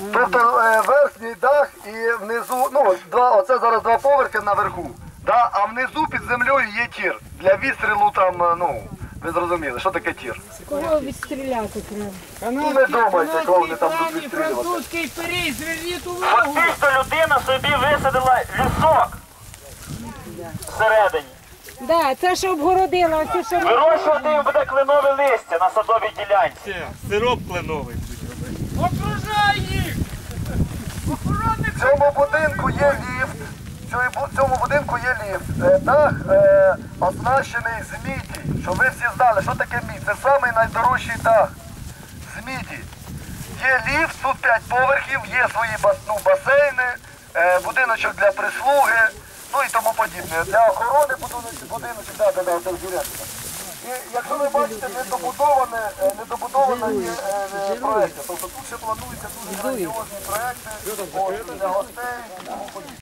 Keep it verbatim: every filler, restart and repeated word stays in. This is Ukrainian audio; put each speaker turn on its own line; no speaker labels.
Тобто е, верхній дах і внизу, ну, два, оце зараз два поверхи наверху, да? А внизу під землею є тір. Для відстрілу там, е, ну, ви зрозуміли, що таке тір?
Кого відстріляти треба?
Ну, не думайте, кого вони там будуть відстрілювати.
Французький пиріг, зверніть увагу.
Фактично людина собі висадила лісок всередині.
Да, це ж обгородила, ось що
Вирощувати їм буде кленове листя на садовій ділянці.
Сироп кленовий.
Окружай їх! Охоронник!
В цьому будинку є ліфт, в цьому- в цьому будинку є ліфт. Е, Дах е, оснащений з міді, щоб ви всі знали, що таке мідь. Це самий найдорожчий дах з міді. Є ліфт, тут п'ять поверхів, є свої бас, ну, басейни, е, будиночок для прислуги, ну і тому подібне. Для охорони будиночок, будиночок, да, да, да, це директор. І якщо ви бачите, недобудоване, е, недобудоване є е, е, проекти. Тобто тут ще плануються дуже грандіозні проекти от, для гостей.